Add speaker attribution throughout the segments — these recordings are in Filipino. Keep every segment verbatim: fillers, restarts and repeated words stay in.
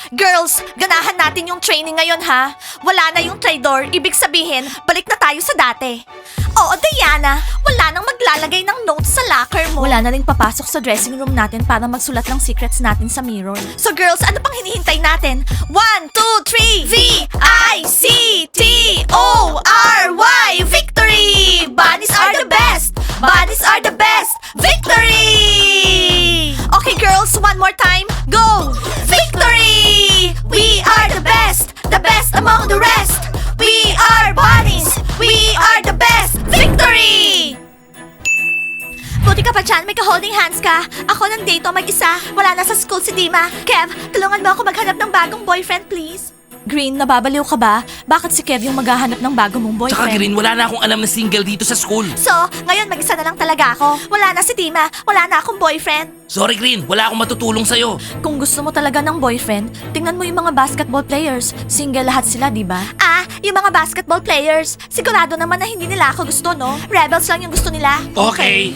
Speaker 1: Girls, ganahan natin yung training ngayon ha. Wala na yung traitor, ibig sabihin, balik na tayo sa dati. Oo, Diana, wala nang maglalagay ng notes sa locker mo. Wala na rin papasok sa dressing room natin para magsulat ng secrets natin sa mirror. So girls, ano pang hinihintay natin? One, two, three! V I C T O R Y! Victory! Bunnies are the best! Bunnies are the best! Victory! Okay girls, one more time. Go! Victory! We are the best! The best among the rest! We are bunnies! We are the best! Victory! Buti ka pa dyan, may ka-holding hands ka. Ako nandito mag-isa. Wala na sa school si Dima. Kev, tulungan mo ako maghanap ng bagong boyfriend, please. Green, nababaliw ka ba? Bakit si Kev yung maghahanap ng bago mong boyfriend?
Speaker 2: Tsaka Green, wala na akong alam na single dito sa school.
Speaker 1: So, ngayon mag-isa na lang talaga ako. Wala na si Dima. Wala na akong boyfriend.
Speaker 2: Sorry Green, wala akong matutulong sa'yo.
Speaker 1: Kung gusto mo talaga ng boyfriend, tingnan mo yung mga basketball players. Single lahat sila, di ba? Ah, yung mga basketball players. Sigurado naman na hindi nila ako gusto, no? Rebels lang yung gusto nila.
Speaker 2: Okay.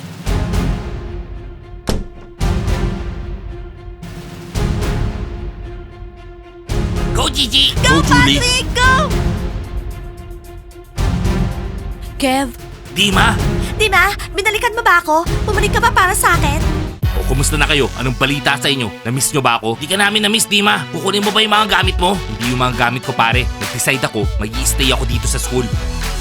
Speaker 2: Go Gigi!
Speaker 1: Go, Patrick! Go! Kev,
Speaker 2: Dima!
Speaker 1: Dima, binalikan mo ba ako? Bumalik ka ba para sa akin?
Speaker 2: O kumusta na kayo? Anong balita sa inyo? Na-miss nyo ba ako? Di ka namin na-miss, Dima. Kukunin mo ba yung mga gamit mo? Hindi yung mga gamit ko, pare. Nag-decide ako, mag-i-stay ako dito sa school.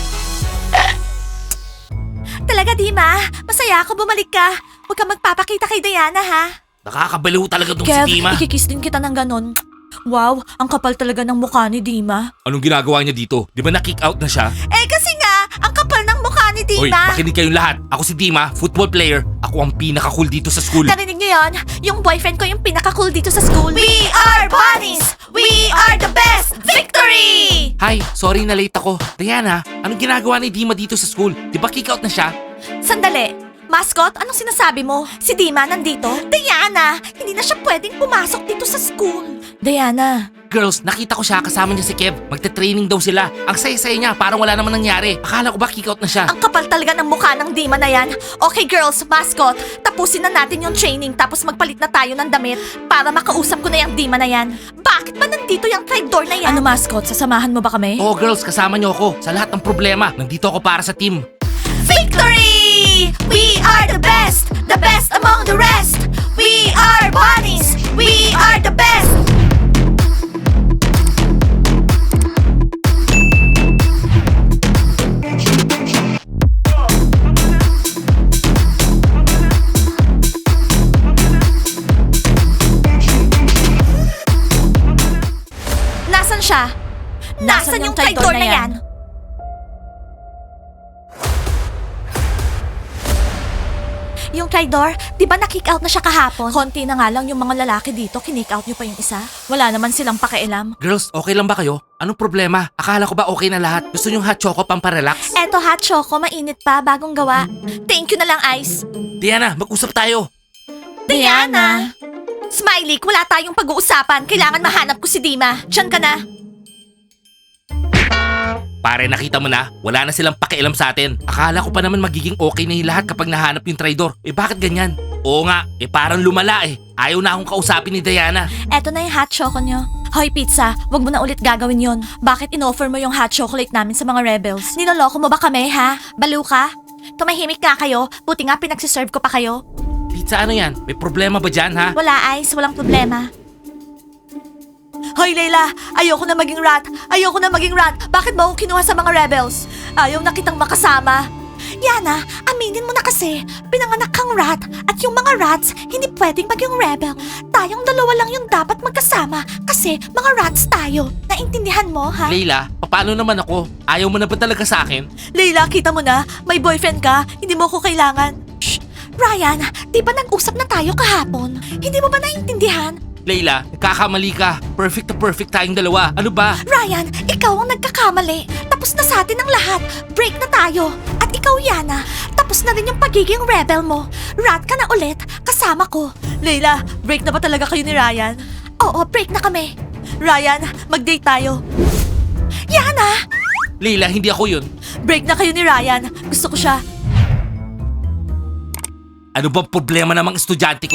Speaker 1: Talaga, Dima. Masaya ako bumalik ka. Huwag kang magpapakita kay Diana, ha?
Speaker 2: Nakakabaliw talaga tong
Speaker 1: Kev,
Speaker 2: si Dima.
Speaker 1: ikikiss din kita ng ganon. Wow, ang kapal talaga ng mukha ni Dima.
Speaker 2: Anong ginagawa niya dito? Di ba na-kick out na siya?
Speaker 1: Eh kasi nga, ang kapal ng mukha ni
Speaker 2: Hoy,
Speaker 1: Dima.
Speaker 2: makinig kayong lahat. Ako si Dima, football player. Ako ang pinaka-cool dito sa school.
Speaker 1: Narinig niyo yun? Yung boyfriend ko yung pinaka-cool dito sa school. We are bunnies! We are the best! Victory!
Speaker 2: Hi, sorry na late ako. Diana, anong ginagawa ni Dima dito sa school? Di ba kick out na siya?
Speaker 1: Sandali. Mascot, anong sinasabi mo? Si Dima nandito? Diana, hindi na siya pwedeng pumasok dito sa school. Diana.
Speaker 2: Girls, nakita ko siya kasama niya si Kev. Magte-training daw sila. Ang saya-saya niya, parang wala naman nangyari. Akala ko ba kick out na siya?
Speaker 1: Ang kapal talaga ng mukha ng Dima na yan. Okay girls, mascot, tapusin na natin yung training tapos magpalit na tayo ng damit para makausap ko na yung Dima na yan. Bakit ba nandito yung traitor na yan? Ano mascot, sasamahan mo ba kami?
Speaker 2: Oo girls, kasama niyo ako. Sa lahat ng problema, nandito ako para sa team.
Speaker 1: Victory! We are the best! The best among the rest! We are bunnies! We are the best! Nasaan siya? Nasaan yung traitor na yan? Yung traitor, di ba na-kick out na siya kahapon? Konti na nga lang yung mga lalaki dito, kinick out niyo pa yung isa. Wala naman silang pakialam.
Speaker 2: Girls, okay lang ba kayo? Anong problema? Akala ko ba okay na lahat? Gusto niyong hot choco pamparelax?
Speaker 1: Eto hot choco, mainit pa, bagong gawa. Thank you na lang, Ice.
Speaker 2: Diana, mag-usap tayo.
Speaker 1: Diana! Smiley, wala tayong pag-uusapan. Kailangan mahanap ko si Dima. Diyan ka na.
Speaker 2: Pare, nakita mo na, wala na silang pakialam sa atin. Akala ko pa naman magiging okay na yung lahat kapag nahanap yung traidor. Eh bakit ganyan? Oo nga, eh parang lumala eh. Ayaw na akong kausapin ni Diana.
Speaker 1: Eto na yung hot choco nyo. Hoy pizza, wag mo na ulit gagawin yon. Bakit inoffer mo yung hot chocolate namin sa mga rebels? Niloloko mo ba kami, ha? Baliw ka? Tumahimik nga kayo, buti nga pinagsiserve ko pa kayo.
Speaker 2: Pizza, ano yan? May problema ba dyan, ha?
Speaker 1: Wala, Ice, walang problema. Hoy, Layla! Ayoko na maging rat! Ayoko na maging rat! Bakit mo ako kinuha sa mga rebels? Ayaw na kitang makasama. Yana, aminin mo na kasi, pinanganak kang rat at yung mga rats hindi pwedeng maging rebel. Tayong dalawa lang yung dapat magkasama kasi mga rats tayo. Naintindihan mo, ha?
Speaker 2: Leila, paano naman ako? Ayaw mo na ba talaga sa akin?
Speaker 1: Layla, kita mo na, may boyfriend ka, hindi mo ko kailangan. Shh! Ryan, di ba nag-usap na tayo kahapon? Hindi mo ba naintindihan?
Speaker 2: Leila, nagkakamali ka. Perfect to perfect tayong dalawa. Ano ba?
Speaker 1: Ryan, ikaw ang nagkakamali. Tapos na sa atin ang lahat. Break na tayo. At ikaw, Yana, tapos na rin yung pagiging rebel mo. Rat ka na ulit, kasama ko. Leila, break na ba talaga kayo ni Ryan? Oo, break na kami. Ryan, mag-date tayo. Yana!
Speaker 2: Leila, hindi ako yun.
Speaker 1: Break na kayo ni Ryan. Gusto ko siya.
Speaker 2: Ano bang problema namang estudyante ko?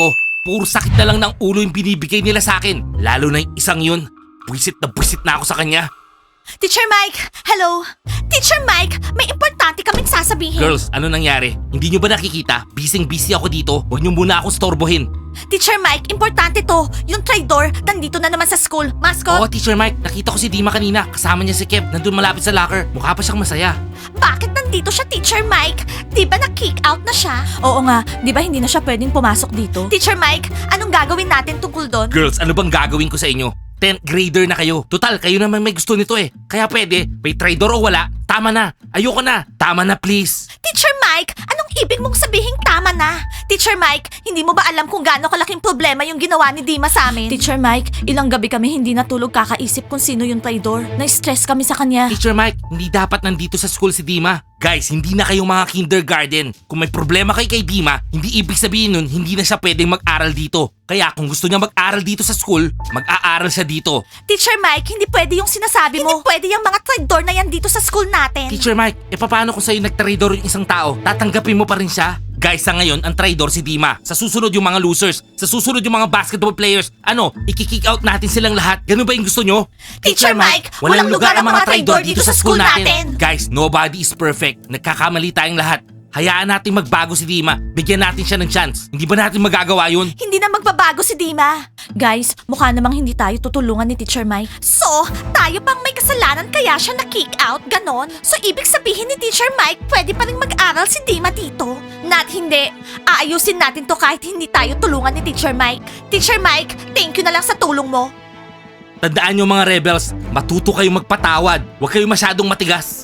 Speaker 2: Puro sakit na lang ng ulo yung binibigay nila sa akin. Lalo na yung isang yun. Buisit na buisit na ako sa kanya.
Speaker 1: Teacher Mike, hello? Teacher Mike, may importante kaming sasabihin.
Speaker 2: Girls, ano nangyari? Hindi nyo ba nakikita? Busy-busy ako dito. Huwag nyo muna akong storbohin.
Speaker 1: Teacher Mike, importante to. Yung traitor, nandito na naman sa school. Mascot?
Speaker 2: Oo, Teacher Mike. Nakita ko si Dima kanina. Kasama niya si Kev. Nandun malapit sa locker. Mukha pa siyang masaya.
Speaker 1: Bakit nandito siya, Teacher Mike? Di ba na-kick out na siya? Oo nga, di ba hindi na siya pwedeng pumasok dito? Teacher Mike, anong gagawin natin tungkol doon?
Speaker 2: Girls, ano bang gagawin ko sa inyo? tenth grader na kayo. Total, kayo naman may gusto nito eh. Kaya pwede, may traitor o wala, tama na. Ayoko na. Tama na please.
Speaker 1: Teacher Mike, anong ibig mong sabihin tama na? Teacher Mike, hindi mo ba alam kung gaano kalaking problema yung ginawa ni Dima sa amin? Teacher Mike, ilang gabi kami hindi natulog kakaisip kung sino yung traitor. Na-stress kami sa kanya.
Speaker 2: Teacher Mike, hindi dapat nandito sa school si Dima. Guys, hindi na kayo mga kindergarten. Kung may problema kay kay Dima, hindi ibig sabihin nun hindi na siya pwedeng mag-aral dito. Kaya kung gusto niya mag-aral dito sa school, mag-aaral siya dito.
Speaker 1: Teacher Mike, hindi pwede yung sinasabi mo. Hindi pwede yung mga traitor na yan dito sa school natin.
Speaker 2: Teacher Mike, e paano kung sa'yo nag-traidor yung isang tao? Tatanggapin mo pa rin siya? Guys, sa ngayon, ang traidor si Dima. Sa susunod yung mga losers. Sa susunod yung mga basketball players. Ano, i-kick out natin silang lahat? Ganun ba yung gusto nyo?
Speaker 1: Teacher Mike, walang lugar ang mga traidor dito sa school natin.
Speaker 2: Guys, nobody is perfect. Nagkakamali tayong lahat. Hayaan natin magbago si Dima. Bigyan natin siya ng chance. Hindi ba natin magagawa yun?
Speaker 1: Hindi na magbabago si Dima. Guys, mukha namang hindi tayo tutulungan ni Teacher Mike. So, tayo pang may kasalanan kaya siya na-kick out, ganon? So, ibig sabihin ni Teacher Mike, pwede pa rin mag-aral si Dima dito? Not hindi. Aayusin natin to kahit hindi tayo tulungan ni Teacher Mike. Teacher Mike, thank you na lang sa tulong mo.
Speaker 2: Tandaan nyo mga rebels, matuto kayong magpatawad. Huwag kayong masyadong matigas.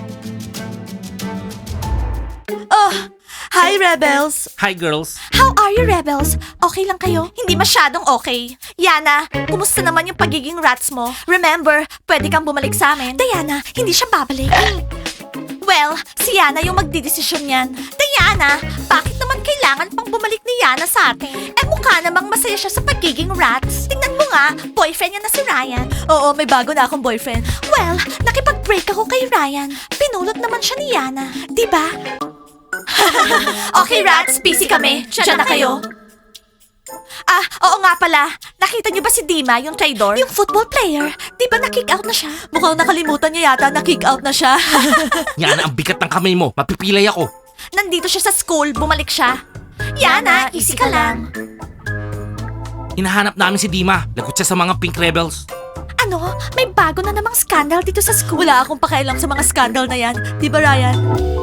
Speaker 1: Oh, hi Rebels!
Speaker 2: Hi girls.
Speaker 1: How are you, Rebels? Okay lang kayo? Hindi masyadong okay. Yana, kumusta naman yung pagiging rats mo? Remember, pwede kang bumalik sa amin. Diana, hindi siya babalik. Well, si Yana yung magdidesisyon yan. Diana, bakit naman kailangan pang bumalik ni Yana sa atin? Eh mukha namang masaya siya sa pagiging rats. Tingnan mo nga, boyfriend niya na si Ryan. Oo, may bago na akong boyfriend. Well, nakipag-break ako kay Ryan. Pinulot naman siya ni Yana. Diba? Okay, rats, busy kami. Diyan na kayo. Ah, oo nga pala. Nakita niyo ba si Dima, yung traitor? Yung football player. Di ba na-kick out na siya? Mukhang nakalimutan niya yata na-kick out na siya.
Speaker 2: Yana, ang bigat ng kamay mo. Mapipilay ako.
Speaker 1: Nandito siya sa school, bumalik siya. Yana, easy ka lang.
Speaker 2: Hinahanap namin si Dima. Lagot siya sa mga Pink Rebels.
Speaker 1: Ano? May bago na namang scandal dito sa school. Wala akong pakialam sa mga scandal na yan. Di ba, Ryan?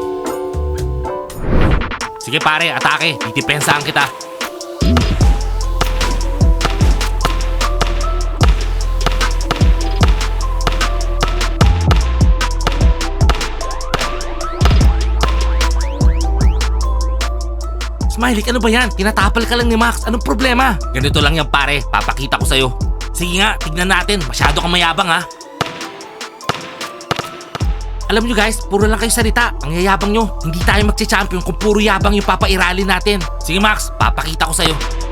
Speaker 2: Sige pare, atake. Didepensahan kita. Smiley, ano ba yan? Tinatapal ka lang ni Max. Anong problema? Ganito lang yan pare. Papakita ko sa'yo. Sige nga, tignan natin. Masyado kang mayabang ha. Alam nyo guys, puro lang kayo salita. Ang yayabang nyo. Hindi tayo magche-champion kung puro yabang yung papairalin natin. Sige Max, papakita ko sa'yo.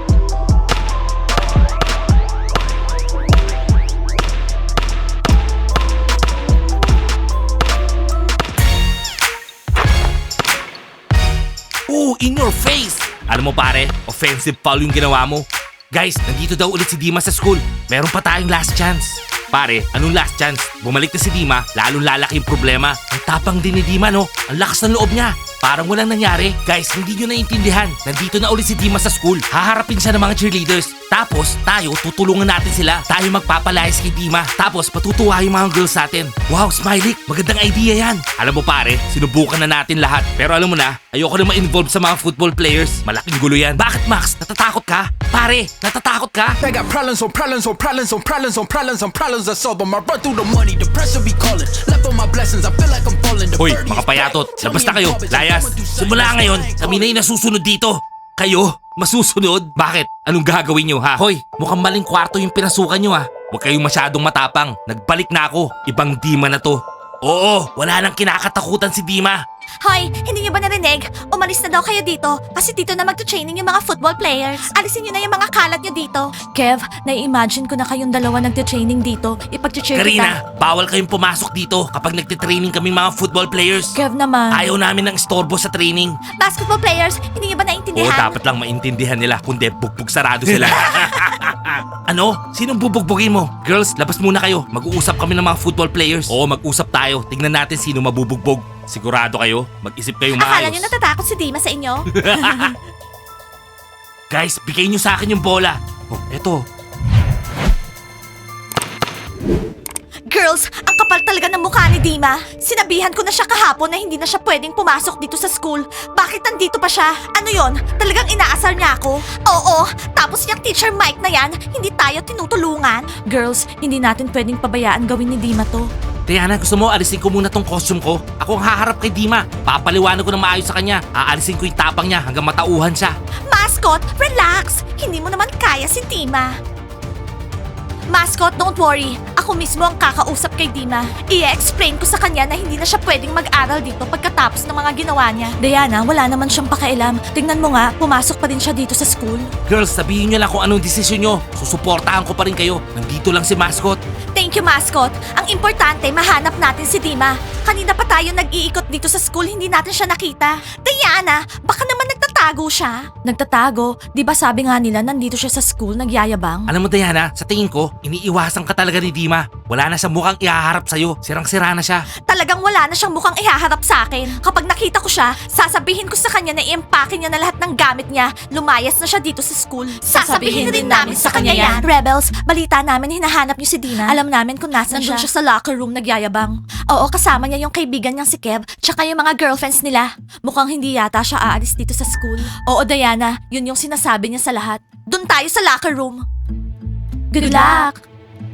Speaker 2: Oh, in your face! Alam mo pare, offensive foul yung ginawa mo. Guys, nandito daw ulit si Dima sa school. Meron pa tayong last chance. Pare, anong last chance? Bumalik na si Dima, lalong lalaki yung problema. Ang tapang din ni Dima, no? Ang lakas ng loob niya. Parang walang nangyari. Guys, hindi nyo naiintindihan. Nandito na ulit si Dima sa school. Haharapin siya ng mga cheerleaders. Tapos, tayo, tutulungan natin sila. Tayo magpapalayas kay Dima. Tapos, patutuwa yung mga girls natin. Wow, Smiley, magandang idea yan. Alam mo pare, sinubukan na natin lahat. Pero alam mo na, ayoko na ma-involve sa mga football players. Malaking gulo yan. Bakit Max? Natatakot ka? Pare, natatakot ka?
Speaker 3: I got problems on problems on problems on problems on problems on problems I solve them. I run through the money, the pressure be calling. Left on my blessings, I feel like I'm falling. The
Speaker 2: Hoy,
Speaker 3: birdie
Speaker 2: mga
Speaker 3: is back.
Speaker 2: payatot,
Speaker 3: Tell
Speaker 2: labas
Speaker 3: me
Speaker 2: na kayo.
Speaker 3: in public,
Speaker 2: Layas,
Speaker 3: I went through
Speaker 2: simula
Speaker 3: something
Speaker 2: ngayon,
Speaker 3: I ain't
Speaker 2: kami na yung nasusunod dito. Kayo, masusunod? Bakit? Anong gagawin nyo ha? Hoy, mukhang maling kwarto yung pinasukan nyo ha. Huwag kayong masyadong matapang. Nagbalik na ako. Ibang Dima na to. Oo, wala nang kinakatakutan si Dima.
Speaker 1: Hoy, hindi niyo ba narinig? Meg, umalis na daw kayo dito kasi dito na magta-training yung mga football players. Alisin niyo na yung mga kalat niyo dito. Kev, nai-imagine ko na kayong dalawa nagta-training dito. Ipag-cheer kita.
Speaker 2: Karina, bawal kayong pumasok dito kapag nagtitraining kami mga football players.
Speaker 1: Kev naman.
Speaker 2: Ayaw namin ng istorbo sa training.
Speaker 1: Basketball players, hindi niyo ba
Speaker 2: Oo,
Speaker 1: naiintindihan?
Speaker 2: dapat lang maintindihan nila kundi bugbog sarado sila. Ano? Sinong bubugbogin mo? Girls, labas muna kayo. Mag-uusap kami ng mga football players. Oo, mag-usap tayo. Tingnan natin sino mabubugbog. Sigurado kayo? Mag-isip kayong
Speaker 1: Akala
Speaker 2: maayos.
Speaker 1: niyo natatakot si Dima sa inyo?
Speaker 2: Guys, bigay niyo sa akin yung bola. Oh, eto.
Speaker 1: Girls, ang kapal talaga ng mukha ni Dima. Sinabihan ko na siya kahapon na hindi na siya pwedeng pumasok dito sa school. Bakit nandito pa siya? Ano yon? Talagang inaasar niya ako? Oo, tapos yung teacher Mike na yan, hindi tayo tinutulungan. Girls, hindi natin pwedeng pabayaan gawin ni Dima to.
Speaker 2: Diana, gusto mo alisin ko muna tong costume ko? Ako ang haharap kay Dima. Papaliwanag ko ng maayos sa kanya. Aalisin ko yung tapang niya hanggang matauhan siya.
Speaker 1: Mascot, relax. Hindi mo naman kaya si Dima. Mascot, don't worry. Ako mismo ang kakausap kay Dima. I-explain ko sa kanya na hindi na siya pwedeng mag-aral dito pagkatapos ng mga ginawa niya. Diana, wala naman siyang pakialam. Tingnan mo nga, pumasok pa rin siya dito sa school.
Speaker 2: Girls, sabihin niyo lang kung anong desisyon niyo. Susuportahan ko pa rin kayo. Nandito lang si Mascot.
Speaker 1: Thank you, Mascot. Ang importante, mahanap natin si Dima. Kanina pa tayo nag-iikot dito sa school, hindi natin siya nakita. Diana, baka naman nagtatago siya. Nagtatago? Di ba sabi nga nila nandito siya sa school, nagyayabang?
Speaker 2: Alam mo Diana, sa tingin ko, iniiwasan ka talaga ni Dima. Wala na siyang mukhang ihaharap sa'yo. Sirang-sira na siya.
Speaker 1: Talagang wala na siyang mukhang ihaharap sa akin. Kapag nakita ko siya, sasabihin ko sa kanya na i-empake niya na lahat ng gamit niya. Lumayas na siya dito sa school. Sasabihin din namin sa kanya yan. Rebels, balita namin hinahanap niyo si Dina. Alam namin kung nasan siya. Nandun siya sa locker room nagyayabang. Oo, kasama niya yung kaibigan niyang si Kev, tsaka yung mga girlfriends nila. Mukhang hindi yata siya aalis dito sa school. Oo, Diana, yun yung sinasabi niya sa lahat. Doon tayo sa locker room. Good luck!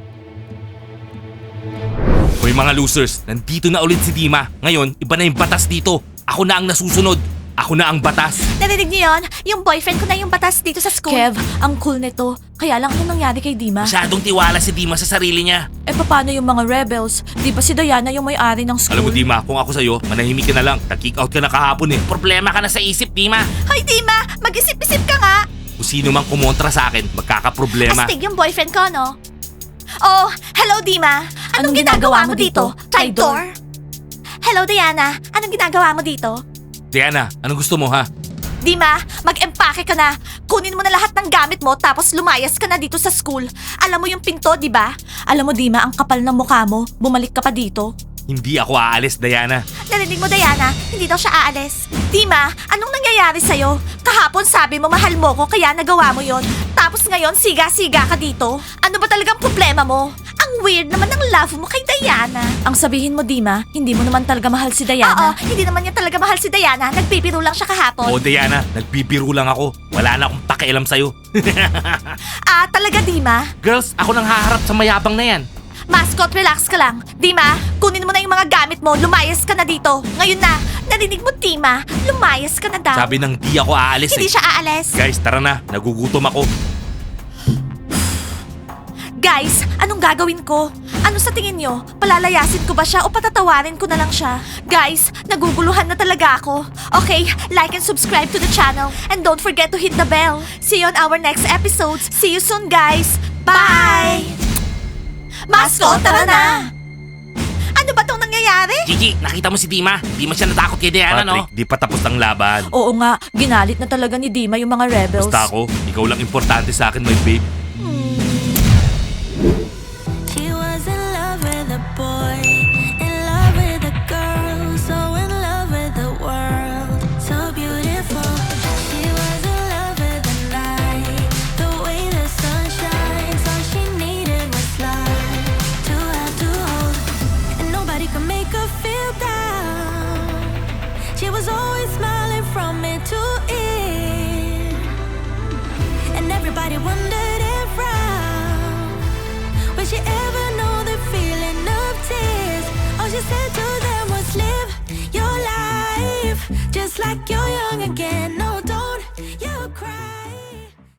Speaker 2: Hoy mga losers, nandito na ulit si Dima. Ngayon, iba na yung batas dito. Ako na ang nasusunod. Ako na ang batas.
Speaker 1: Narinig niyo yun? Yung boyfriend ko na yung batas dito sa school. Kev, ang cool nito. Kaya lang ano nangyari kay Dima?
Speaker 2: Masyadong tiwala si Dima sa sarili niya.
Speaker 1: Eh paano yung mga rebels? Di ba si Diana yung may-ari ng school?
Speaker 2: Alam mo Dima, kung ako sa'yo, manahimik ka na lang. Nag-kick out ka na kahapon eh. Problema ka na sa isip, Dima.
Speaker 1: Hoy Dima, mag-isip-isip ka nga.
Speaker 2: Kung sino mang kumontra sa akin, magkakaproblema.
Speaker 1: Astig yung boyfriend ko, no? Oh, hello Dima. Anong, ginagawa, mo dito? Traitor? Hello Diana, anong ginagawa mo dito?
Speaker 2: Diana, anong gusto mo ha?
Speaker 1: Dima, mag-empake ka na. Kunin mo na lahat ng gamit mo tapos lumayas ka na dito sa school. Alam mo yung pinto, di ba? Alam mo Dima, ang kapal ng mukha mo. Bumalik ka pa dito.
Speaker 2: Hindi ako aalis, Diana.
Speaker 1: Narinig mo, Diana? Hindi daw siya aalis. Dima, anong nangyayari sa'yo? Kahapon sabi mo mahal mo ko kaya nagawa mo yon. Tapos ngayon siga-siga ka dito? Ano ba talagang problema mo? Ang weird naman ng love mo kay Diana. Ang sabihin mo, Dima, hindi mo naman talaga mahal si Diana. Oo, hindi naman niya talaga mahal si Diana. Nagbibiro lang siya kahapon.
Speaker 2: Oo Diana, nagbibiro lang ako. Wala na akong pakialam sa'yo.
Speaker 1: Ah, talaga, Dima?
Speaker 2: Girls, ako nang haharap sa mayabang na yan.
Speaker 1: Mascot, relax ka lang. Dima, kunin mo na yung mga gamit mo. Lumayas ka na dito. Ngayon na. Narinig mo, Dima? Lumayas ka na daw.
Speaker 2: Sabi nang di ako aalis
Speaker 1: Hindi
Speaker 2: eh.
Speaker 1: siya aalis.
Speaker 2: Guys, tara na. Nagugutom ako.
Speaker 1: Guys, anong gagawin ko? Ano sa tingin nyo? Palalayasin ko ba siya o patatawarin ko na lang siya? Guys, naguguluhan na talaga ako. Okay, like and subscribe to the channel. And don't forget to hit the bell. See you on our next episodes. See you soon, guys. Bye! Mascot, tara na! Ano ba tong nangyayari?
Speaker 2: Gigi, nakita mo si Dima? Di man siya natakot kay Diana, no? Patrick, di pa tapos ang laban.
Speaker 1: Oo nga, ginalit na talaga ni Dima yung mga rebels.
Speaker 2: Basta ako, ikaw lang importante sa akin, my babe.
Speaker 4: She was in love with a boy, in love with a girl, so in love with the world, so beautiful. She was in love with the night, the way the sun shines. All she needed was love to have to hold, and nobody could make her feel down. She was always smiling from ear to ear, and everybody wondered if round. Will she ever know the feeling of tears? All she said to them was live your life just like you're young again.